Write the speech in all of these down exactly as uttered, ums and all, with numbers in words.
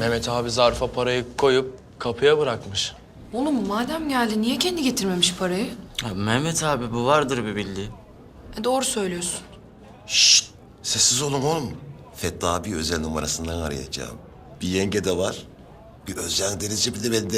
Mehmet abi zarfa parayı koyup kapıya bırakmış. Oğlum madem geldi niye kendi getirmemiş parayı? Ya Mehmet abi bu vardır bir bildiği. E, doğru söylüyorsun. Şşt! Sessiz olun oğlum. Fethi abi özel numarasından arayacağım. Bir yenge de var. Bir Özcan Denizci bir de bende.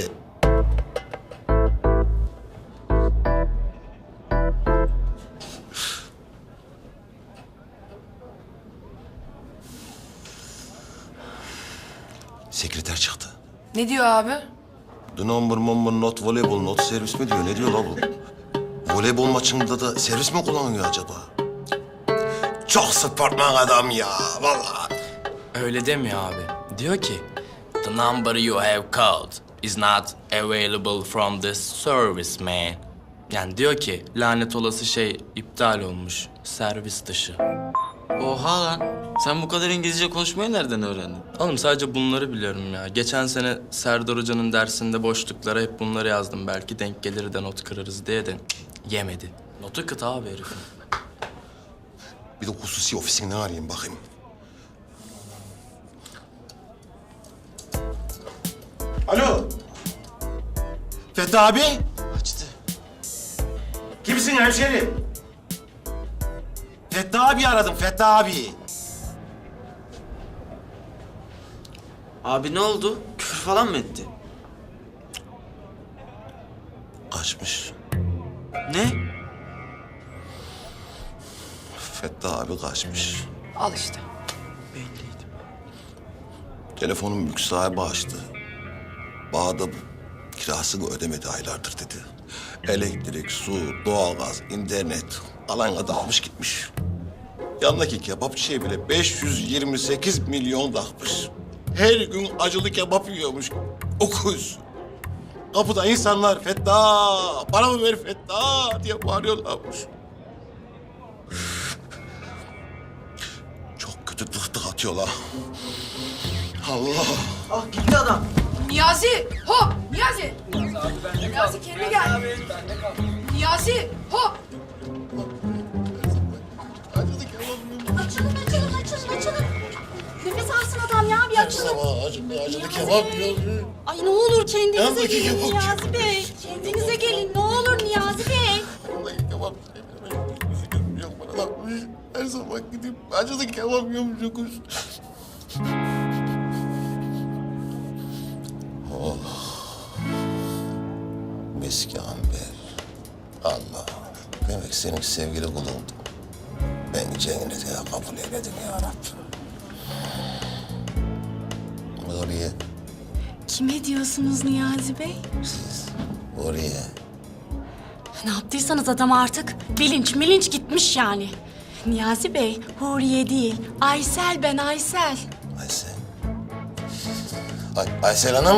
Sekreter çıktı. Ne diyor abi? The number number not voleybol not servis mi diyor? Ne diyor la bu? Voleybol maçında da servis mi kullanıyor acaba? Çok sportman adam ya vallahi. Öyle demiyor abi. Diyor ki, the number you have called is not available from this service man. Yani diyor ki, lanet olası şey iptal olmuş, servis dışı. Oha lan. Sen bu kadar İngilizce konuşmayı nereden öğrendin? Oğlum sadece bunları biliyorum ya. Geçen sene Serdar Hoca'nın dersinde boşluklara hep bunları yazdım. Belki denk gelir de not kırarız diye de cık, yemedi. Notu kıt abi herifin. Bir de hususi ofisinden arayayım bakayım. Alo. Fethi abi. Açtı. Kimsin hemşerim? Fethi abi aradım, Fethi abi. Abi ne oldu? Küfür falan mı etti? Kaçmış. Ne? Fethi abi kaçmış. Al işte. Belliydi. Telefonun mülk sahibi açtı. Bağda kirasını ödemedi aylardır dedi. Elektrik, su, doğalgaz, internet alana dağılmış gitmiş. Yanındaki kebapçıya bile beş yüz yirmi sekiz milyon takmış. Her gün acılı kebap yiyormuş. Okuz. Kapıda insanlar Fettah, paramı ver Fettah diye bağırıyorlarmış. Çok kötü tık tık atıyorlar. Allah! Ah gitti adam. Niyazi! Hop! Niyazi! Niyazi kendine gel. Niyazi! Hop! Acılı kebap yiyormuş. Açılın, açılın, açılın, açılın. Nefes alsın adam ya, bir açılın. Sabah acılı, acılı Niyazi kebap Bey. yiyormuş. Ay ne olur kendinize Yandaki gelin kebap. Niyazi Bey. Kendinize gelin, ne olur Niyazi Bey. Vallahi kebap yemiyorum. Yok bana bakmış. Her sabah gidip acılı kebap yiyormuş yokuz. Oh. Meski Amber. Allah. Demek senin sevgili kulundum. Ben cennete kabul eyledim ya Rabbim. Oraya, Kime diyorsunuz Niyazi Bey? siz oraya. Ne yaptıysanız adam artık bilinç milinç gitmiş yani. Niyazi Bey, Huriye değil, Aysel ben Aysel. Aysel. Ay, Aysel Hanım.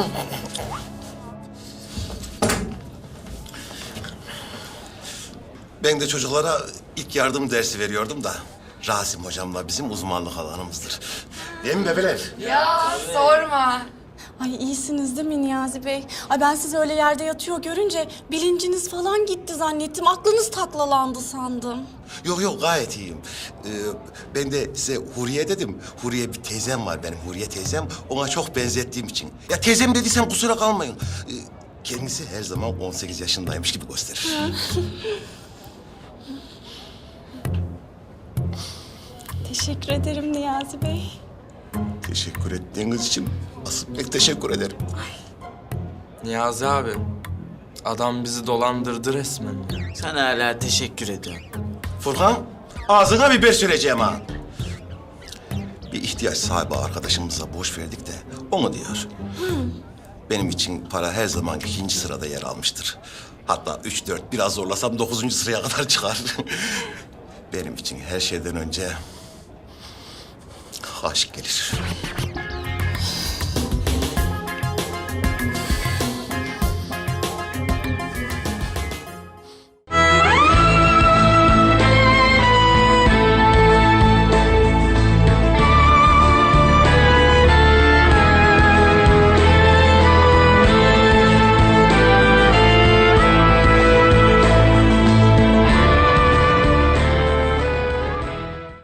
Ben de çocuklara ilk yardım dersi veriyordum da Rasim hocamla bizim uzmanlık alanımızdır. Değil mi bebeler? Ya sorma. Ay iyisiniz değil mi Niyazi Bey? Ay ben sizi öyle yerde yatıyor görünce bilinciniz falan gitti zannettim. Aklınız taklalandı sandım. Yok yok gayet iyiyim. Ee, ben de size Huriye dedim. Huriye bir teyzem var benim, Huriye teyzem. Ona çok benzettiğim için. Ya teyzem dediysem kusura kalmayın. Ee, kendisi her zaman on sekiz yaşındaymış gibi gösterir. Teşekkür ederim Niyazi Bey. Teşekkür ettiğiniz için asıl pek teşekkür ederim. Niyazi abi, adam bizi dolandırdı resmen ya. Sen hala teşekkür ediyorsun. Furkan, ağzına biber süreceğim ha. Bir ihtiyaç sahibi arkadaşımıza borç verdik de onu diyor. Benim için para her zaman ikinci sırada yer almıştır. Hatta üç, dört, biraz zorlasam dokuzuncu sıraya kadar çıkar. Benim için her şeyden önce aşk gelir.